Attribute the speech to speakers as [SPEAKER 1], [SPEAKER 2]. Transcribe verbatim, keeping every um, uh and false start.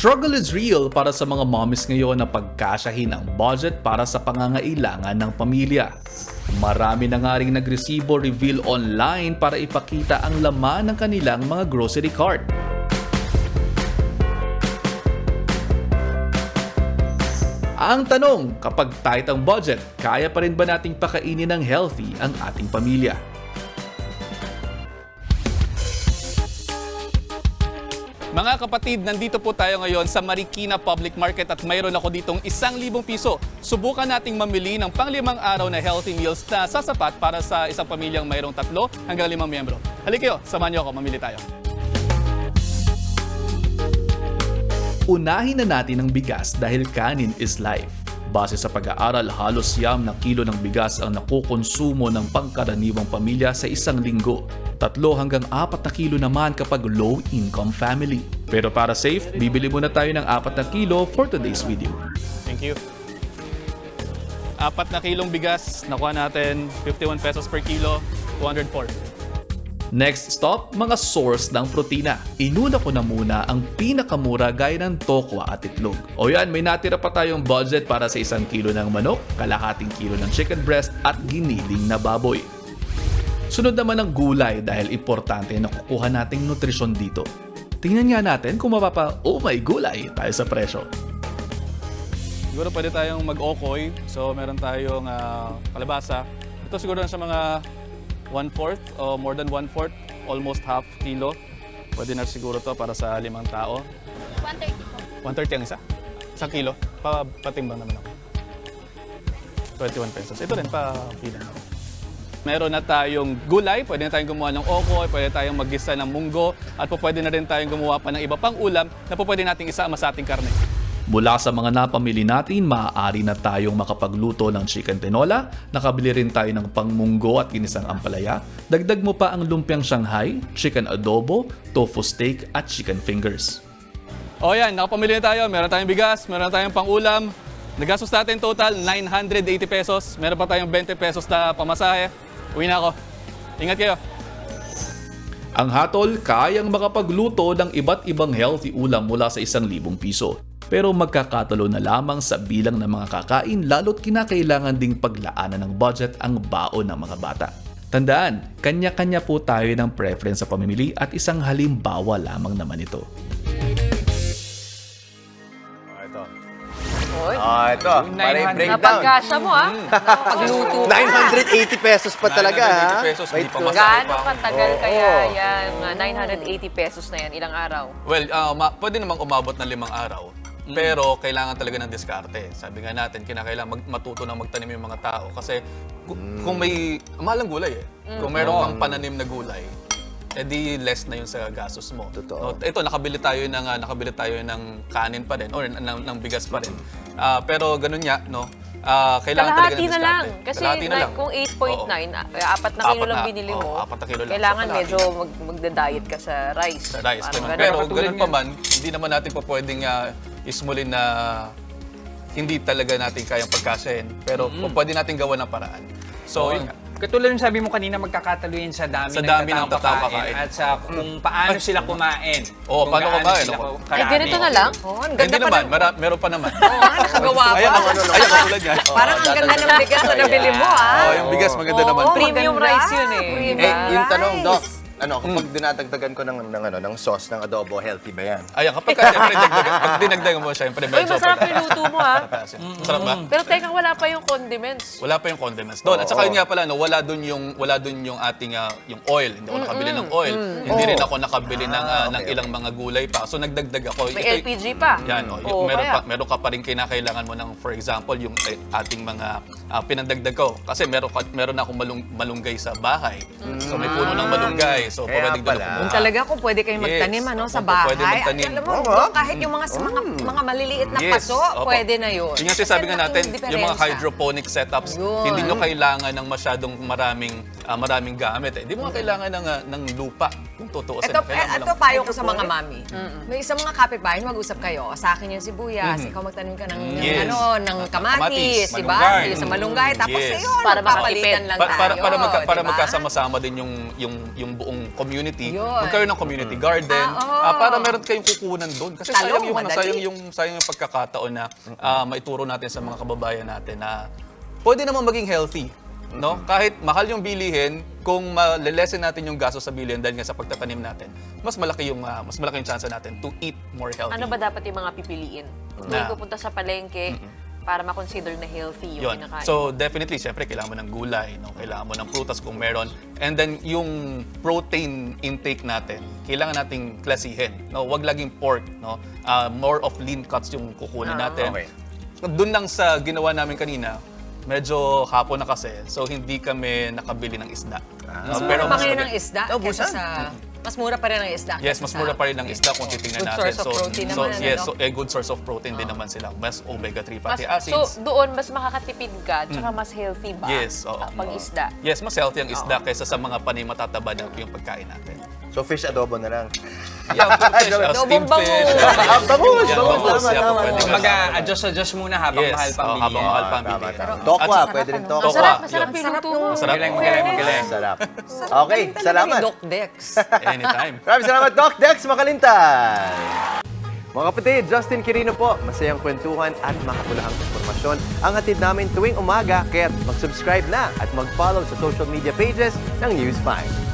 [SPEAKER 1] struggle is real para sa mga mommies ngayon na pagkasyahin ang budget para sa pangangailangan ng pamilya. Marami na nga rin nagresibo reveal online para ipakita ang laman ng kanilang mga grocery cart. Ang tanong, kapag tight ang budget, kaya pa rin ba nating pakainin ng healthy ang ating pamilya?
[SPEAKER 2] Mga kapatid, nandito po tayo ngayon sa Marikina Public Market at mayroon ako ditong isang libong piso. Subukan nating mamili ng panglimang araw na healthy meals na sasapat para sa isang pamilyang mayroong tatlo hanggang limang miyembro. Halika kayo, samahan niyo ako, mamili tayo.
[SPEAKER 1] Unahin na natin ang bigas dahil kanin is life. Base sa pag-aaral, halos siyam na kilo ng bigas ang nakukonsumo ng pangkaraniwang pamilya sa isang linggo. Tatlo hanggang apat na kilo naman kapag low-income family. Pero para safe, bibili muna tayo ng apat na kilo for today's video.
[SPEAKER 2] Thank you. Apat na kilong bigas, nakuha natin fifty-one pesos per kilo, two hundred four.
[SPEAKER 1] Next stop, mga source ng protina. Inuna ko na muna ang pinakamura gaya ng tokwa at itlog. O yan, may natira pa tayong budget para sa isang kilo ng manok, kalahating kilo ng chicken breast at giniling na baboy. Sunod naman ang gulay dahil importante na kukuha nating nutrisyon dito. Tingnan nga natin kung mapapa, oh my gulay, tayo sa presyo.
[SPEAKER 2] Siguro pwede tayong mag-okoy. So meron tayong uh, kalabasa. Ito siguro na sa mga one-fourth o more than one-fourth, almost half kilo. Pwede na siguro to para sa limang tao.
[SPEAKER 3] one thirty po.
[SPEAKER 2] one thirty ang isa? Isang kilo? Pa patimbang naman ako. twenty-one pesos. Ito rin, pa pilang. Meron na tayong gulay, pwede na tayong gumawa ng okoy, pwede tayong maggisa ng munggo, at po pwede na rin tayong gumawa pa ng iba pang ulam na po pwede nating isama sa ating karne.
[SPEAKER 1] Mula sa mga napamili natin, maaari na tayong makapagluto ng chicken tinola, nakabili rin tayo ng pangmunggo at ginisang ampalaya, dagdag mo pa ang lumpiang Shanghai, chicken adobo, tofu steak at chicken fingers.
[SPEAKER 2] O yan, nakapamili na tayo, meron tayong bigas, meron tayong pang-ulam, nagastos natin total nine hundred eighty pesos, meron pa tayong twenty pesos na pamasahe. Uwi na ako. Ingat kayo.
[SPEAKER 1] Ang hatol, kayang makapagluto ng iba't ibang healthy ulam mula sa isang libong piso. Pero magkakatalo na lamang sa bilang ng mga kakain lalo't kinakailangan ding paglaanan ng budget ang baon ng mga bata. Tandaan, kanya-kanya po tayo ng preference sa pamimili at isang halimbawa lamang naman ito.
[SPEAKER 2] Ito.
[SPEAKER 4] Ah, ito. Para i-breakdown.
[SPEAKER 3] Napagkasya mo ah. Pagluto ka.
[SPEAKER 4] nine hundred eighty pesos pa talaga,
[SPEAKER 2] nine hundred eighty
[SPEAKER 4] ha?
[SPEAKER 2] pesos, hindi
[SPEAKER 4] Wait,
[SPEAKER 2] pa
[SPEAKER 4] no.
[SPEAKER 2] masaya.
[SPEAKER 3] Gaano katagal
[SPEAKER 4] Oo.
[SPEAKER 3] kaya yan? Mga nine hundred eighty pesos na yan, ilang araw?
[SPEAKER 2] Well, uh, ma- pwede namang umabot ng limang araw. Pero kailangan talaga ng diskarte. Sabi nga natin, kinakailangan mag- matuto na magtanim yung mga tao. Kasi kung, kung may, mahal ang gulay eh. Kung meron kang pananim na gulay, edi less na yun sa gastos mo.
[SPEAKER 4] Totoo.
[SPEAKER 2] No, ito, nakabili tayo ng, uh, nakabili tayo ng kanin pa rin, or ng, ng bigas pa rin. Ah, pero ganun nga, no? Ah, kailangan talaga
[SPEAKER 3] Kalahati
[SPEAKER 2] ng
[SPEAKER 3] na lang.
[SPEAKER 2] diskarte.
[SPEAKER 3] Kasi
[SPEAKER 2] Kalahati na
[SPEAKER 3] na-
[SPEAKER 2] lang.
[SPEAKER 3] kung eight point nine,
[SPEAKER 2] Oo.
[SPEAKER 3] ah, apat na kilo
[SPEAKER 2] Apat
[SPEAKER 3] lang
[SPEAKER 2] na-
[SPEAKER 3] binili
[SPEAKER 2] oo,
[SPEAKER 3] mo,
[SPEAKER 2] apat na kilo lang.
[SPEAKER 3] kailangan
[SPEAKER 2] So, kalahati.
[SPEAKER 3] medyo mag magda-diet ka sa rice.
[SPEAKER 2] Sa rice.
[SPEAKER 3] Parang
[SPEAKER 2] Ganun.
[SPEAKER 3] ganun.
[SPEAKER 2] Pero ganun pa man, hindi naman natin pa pwedeng uh, ismulin na hindi talaga natin kayang pagkasahin. Pero mm-hmm. pwede natin gawa ng paraan. So, yun nga.
[SPEAKER 5] Katulad ng sabi mo kanina, magkakatalo yun sa dami,
[SPEAKER 2] Sa
[SPEAKER 5] ng,
[SPEAKER 2] dami
[SPEAKER 5] taong
[SPEAKER 2] ng taong
[SPEAKER 5] kakain
[SPEAKER 2] kakain.
[SPEAKER 5] at sa kung paano sila kumain.
[SPEAKER 2] Oo,
[SPEAKER 5] Kung
[SPEAKER 2] paano
[SPEAKER 5] gaano
[SPEAKER 2] kumain,
[SPEAKER 5] sila
[SPEAKER 2] oo.
[SPEAKER 5] karami.
[SPEAKER 3] Ay, ganito na lang? Oh, ang ganda
[SPEAKER 2] Hindi
[SPEAKER 3] pa
[SPEAKER 2] naman,
[SPEAKER 3] ng-
[SPEAKER 2] mara- meron pa naman.
[SPEAKER 3] Oo, nga, nakagawa pa.
[SPEAKER 2] Ayan, ako, ayan, katulad yan.
[SPEAKER 3] Parang ang ganda ng bigas na nabili mo ah.
[SPEAKER 2] Oh, yung bigas maganda
[SPEAKER 3] Oo,
[SPEAKER 2] naman.
[SPEAKER 3] premium rice yun eh.
[SPEAKER 4] Eh, yung tanong, Doc, ano, kapag dinadagdagan ko ng, ng, ano, ng sauce, ng adobo, healthy ba yan?
[SPEAKER 2] Ayan, kapag ka, siyempre, dagdagan, pag dinagdagan mo, siyempre,
[SPEAKER 3] Uy,
[SPEAKER 2] medyo
[SPEAKER 3] masarap
[SPEAKER 2] pagka-
[SPEAKER 3] yung luto mo ah.
[SPEAKER 2] Masarap ba?
[SPEAKER 3] Pero teka, wala pa yung condiments.
[SPEAKER 2] Wala pa yung condiments doon. At saka yun nga pala, no, wala doon yung wala doon yung ating ah, yung oil. Hindi ako nakabili ng oil. Hindi rin ako nakabili ng ah, ng
[SPEAKER 4] okay,
[SPEAKER 2] ilang mga gulay pa. So nagdagdag ako.
[SPEAKER 3] May
[SPEAKER 2] Ito-
[SPEAKER 3] L P G pa.
[SPEAKER 2] Yan, oh,
[SPEAKER 3] Oo,
[SPEAKER 2] yung, meron,
[SPEAKER 3] kaya.
[SPEAKER 2] pa, meron ka pa rin kinakailangan mo ng, for example, yung eh, ating mga ah, pinandagdag ko. Kasi meron, ka- meron na akong malung, malunggay sa bahay. So may puno ng malunggay. So
[SPEAKER 4] Kaya
[SPEAKER 2] pwede
[SPEAKER 4] pala.
[SPEAKER 3] Kung talaga kung pwede kayong
[SPEAKER 2] Yes.
[SPEAKER 3] magtanim ano, sa
[SPEAKER 2] Opo,
[SPEAKER 3] bahay.
[SPEAKER 2] pwede magtanim.
[SPEAKER 3] At alam mo,
[SPEAKER 4] Oo.
[SPEAKER 3] Dok, kahit yung mga, mga, mga maliliit na
[SPEAKER 2] Yes.
[SPEAKER 3] paso,
[SPEAKER 2] Opo.
[SPEAKER 3] pwede na yun.
[SPEAKER 2] Yung nga sabi nga
[SPEAKER 3] Kasi
[SPEAKER 2] natin,
[SPEAKER 3] laking
[SPEAKER 2] yung mga
[SPEAKER 3] diferensya.
[SPEAKER 2] hydroponic setups,
[SPEAKER 3] Yun.
[SPEAKER 2] hindi nyo kailangan ng masyadong maraming ah, maraming gamit. Eh. Hindi mo nga kailangan ng, ah, ng lupa kung tutuusin.
[SPEAKER 6] Ito,
[SPEAKER 2] Kailangan
[SPEAKER 6] eh,
[SPEAKER 2] mo
[SPEAKER 6] ito
[SPEAKER 2] lang-
[SPEAKER 6] payo ko sa mga mami. May isang mga kapitbahay, mag-usap kayo. Sa akin yung sibuyas, ikaw magtanim ka ng, ng
[SPEAKER 2] Yes.
[SPEAKER 6] ano, ng
[SPEAKER 2] Kamatis,
[SPEAKER 6] kamatis, di ba?
[SPEAKER 5] malunggay.
[SPEAKER 6] Sa malunggay. Tapos
[SPEAKER 2] Yes.
[SPEAKER 6] ayun,
[SPEAKER 3] Para
[SPEAKER 6] magpapalitan
[SPEAKER 3] makatipid.
[SPEAKER 6] lang
[SPEAKER 2] Pa-
[SPEAKER 6] tayo.
[SPEAKER 2] para para magka, para
[SPEAKER 6] di ba?
[SPEAKER 2] magkasama-sama din yung yung yung buong community.
[SPEAKER 6] Yun.
[SPEAKER 2] Magkaroon ng community garden.
[SPEAKER 6] Ah, oo.
[SPEAKER 2] ah, para meron kayong kukunan doon. Kasi
[SPEAKER 6] Talong,
[SPEAKER 2] sayang yung ano,
[SPEAKER 6] madali.
[SPEAKER 2] sayang yung sayang yung pagkakataon na ah, maituro natin sa mga kababayan natin na pwede naman maging healthy. No? Kahit mahal yung bilihin, kung malelesen natin yung gasto sa bilihin dahil nga sa pagtatanim natin, mas malaki yung ah, mas malaki yung chance natin to eat more healthy.
[SPEAKER 3] Ano ba dapat yung mga pipiliin? Kung
[SPEAKER 2] Na-
[SPEAKER 3] may pupunta sa palengke, para ma-consider na healthy yung
[SPEAKER 2] Yun.
[SPEAKER 3] kinakain.
[SPEAKER 2] So definitely, syempre, kailangan mo ng gulay, no? Kailangan mo ng prutas kung meron. And then, yung protein intake natin, kailangan nating klasihin. No? Huwag laging pork. No? Ah, more of lean cuts yung kukunin
[SPEAKER 3] Ah.
[SPEAKER 2] natin.
[SPEAKER 4] Okay.
[SPEAKER 2] Doon lang sa ginawa namin kanina, medyo hapon na kasi, so hindi kami nakabili ng isda.
[SPEAKER 6] Mas
[SPEAKER 2] No,
[SPEAKER 6] mura pa
[SPEAKER 2] mas
[SPEAKER 6] ngayon
[SPEAKER 2] maga-
[SPEAKER 6] ng isda
[SPEAKER 4] Oh,
[SPEAKER 6] kesa
[SPEAKER 4] busan.
[SPEAKER 6] sa... Mas mura pa rin ang isda.
[SPEAKER 2] Yes,
[SPEAKER 6] kesa
[SPEAKER 2] mas
[SPEAKER 6] sa-
[SPEAKER 2] mura pa rin ang isda kung titingnan
[SPEAKER 6] Good
[SPEAKER 2] natin.
[SPEAKER 6] source of protein
[SPEAKER 2] so,
[SPEAKER 6] naman, ano,
[SPEAKER 2] yes,
[SPEAKER 6] no?
[SPEAKER 2] so, a good source of protein din naman sila. Mas omega three
[SPEAKER 3] mas,
[SPEAKER 2] fatty
[SPEAKER 3] so,
[SPEAKER 2] acids.
[SPEAKER 3] doon, mas makakatipid ka, tsaka mas healthy ba?
[SPEAKER 2] Yes, oo.
[SPEAKER 3] ah, pag isda.
[SPEAKER 2] Yes, mas healthy ang isda kaysa sa mga panay matataba na yung pagkain natin.
[SPEAKER 4] So fish adobo na lang.
[SPEAKER 2] Yeah, fish, uh, steamed
[SPEAKER 3] Dobong
[SPEAKER 2] fish.
[SPEAKER 3] bangus.
[SPEAKER 4] Ah, bangus!
[SPEAKER 2] Yeah,
[SPEAKER 4] Bangus!
[SPEAKER 2] bangus.
[SPEAKER 4] Tama,
[SPEAKER 2] Yeah,
[SPEAKER 4] tama,
[SPEAKER 2] pwede
[SPEAKER 4] tama.
[SPEAKER 2] ka.
[SPEAKER 5] Mag-adjust-adjust muna habang
[SPEAKER 2] Yes,
[SPEAKER 5] mahal pang
[SPEAKER 2] oh,
[SPEAKER 5] bilihin.
[SPEAKER 2] habang mahal pang
[SPEAKER 4] Tama,
[SPEAKER 2] bilihin.
[SPEAKER 4] tama.
[SPEAKER 2] At
[SPEAKER 4] Tokwa,
[SPEAKER 2] saka-
[SPEAKER 4] pwede rin
[SPEAKER 3] Ang
[SPEAKER 4] tokwa.
[SPEAKER 3] sarap,
[SPEAKER 2] Yun.
[SPEAKER 3] masarap yung luto mo.
[SPEAKER 2] Masarap.
[SPEAKER 5] Magaling, magaling, magaling.
[SPEAKER 4] Sarap.
[SPEAKER 6] Sarap
[SPEAKER 4] Okay,
[SPEAKER 6] galing talaga ni
[SPEAKER 4] salamat.
[SPEAKER 6] Doc Dex.
[SPEAKER 2] Anytime.
[SPEAKER 4] Maraming salamat, Doc Dex Makalintay! Mga kapatid, Justin Quirino po. Masayang kwentuhan at makapulahang informasyon ang hatid namin tuwing umaga. Kaya't mag-subscribe na at mag-follow sa social media pages ng News five.